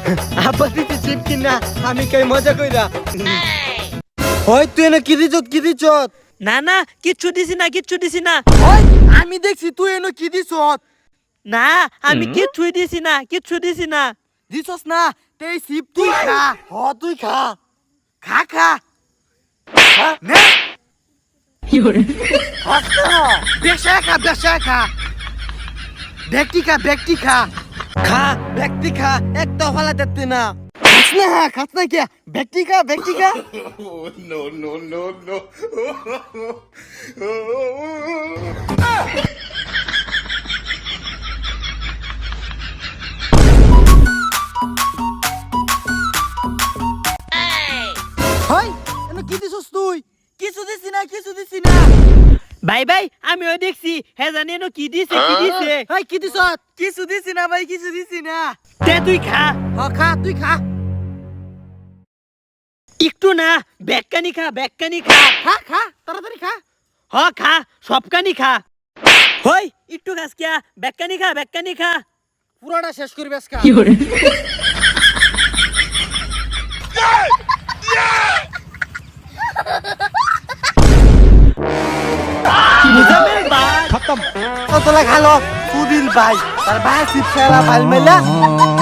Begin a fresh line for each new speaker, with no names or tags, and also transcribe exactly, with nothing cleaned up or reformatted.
আব্বা দিতে চিপ কিনা আমি কই মজা কইরা ওই তুই না কি দিছত কি দিছত
না না কিচ্ছু দিছি না কিচ্ছু দিছি না
ওই আমি দেখছি তুই এনো কি দিছত
না আমি কিচ্ছুই দিছি না কিচ্ছু দিছি না
দিছস না তেই চিপ তুই খা হ তুই খা খা খা খা নে কি হরে বেশা খা বেশা খা ব্যক্তি খা ব্যক্তি খা খা ব্যক্তি খা একটা ফালা দেখতে না খাস না খাস না কে ব্যক্তি খা ব্যক্তি খা
no, no, no, no.
হয় এনো কি দিছস তুই কিছু দিছি না কিছু দিছি না
ভাই ভাই আমি ওই দেখছি হে জানি না কি দিছে কি দিছে
হয় কি দিছত কিছু দিছি না ভাই কিছু দিছি না
তে তুই খা
হ খা তুই খা
একটু না বেকানি খা বেকানি খা
খা খা তাড়াতাড়ি খা
হ খা সবকানি খা হই একটু খাস কিয়া বেকানি খা বেকানি খা
পুরোটা শেষ করবি আজকে
মুজামেল ভাই
খতম কতলা খালো সুদিল ভাই তার ভাই সিপ খেলা ভাল মেলা